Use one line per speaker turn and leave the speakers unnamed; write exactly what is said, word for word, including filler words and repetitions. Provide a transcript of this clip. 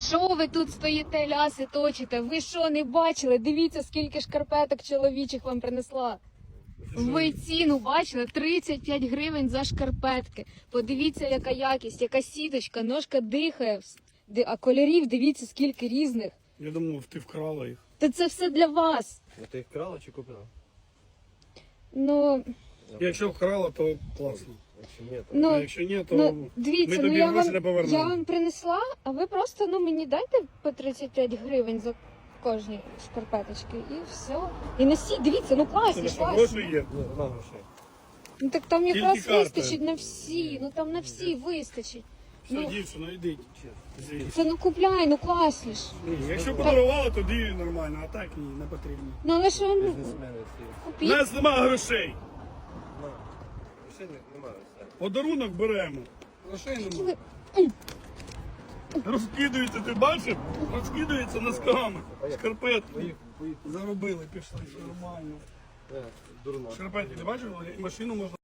Що ви тут стоїте, ляси точите? Ви що, не бачили? Дивіться, скільки шкарпеток чоловічих вам принесла. Ви ціну бачили? тридцять п'ять гривень за шкарпетки. Подивіться, яка якість, яка сіточка, ножка дихає. Ди- А кольорів дивіться, скільки різних.
Я думав, ти вкрала їх.
Та це все для вас.
Ну ти їх крала чи купила?
Ну,
Якщо вкрала, то класно.
Якщо ні, то...
ну,
А якщо ні, то
ну дивіться,
ми
ну
тобі
я
гроші
вам,
не повернемо.
я вам принесла, а ви просто ну мені дайте по тридцять п'ять гривень за кожні шкарпеточки і все. І носіть, дивіться, ну класні,
Тебе що,
класні.
гроші є?
Ні, нема грошей.
Ну так там
Тільки
якраз
карта.
вистачить на всі, ну там на всі вистачить.
Все,
Ну.
дівчино, йдіть. Звідси.
Це ну купляй, ну класні ж.
Ні, якщо подарувала, тоді нормально, а так ні, не потрібно.
Ну але ж вам
Бізнесмени ці.
У
купіть.
нас нема грошей.
Нема. Грошей не- немає. все.
Подарунок беремо. Грошей нема. Розкидується, ти бачив? Розкидується носками. Шкарпетки.
Поїх, поїх.
Заробили, пішли, все нормально.
Е, Дурно.
Шкарпетки, ти бачив? Машину можна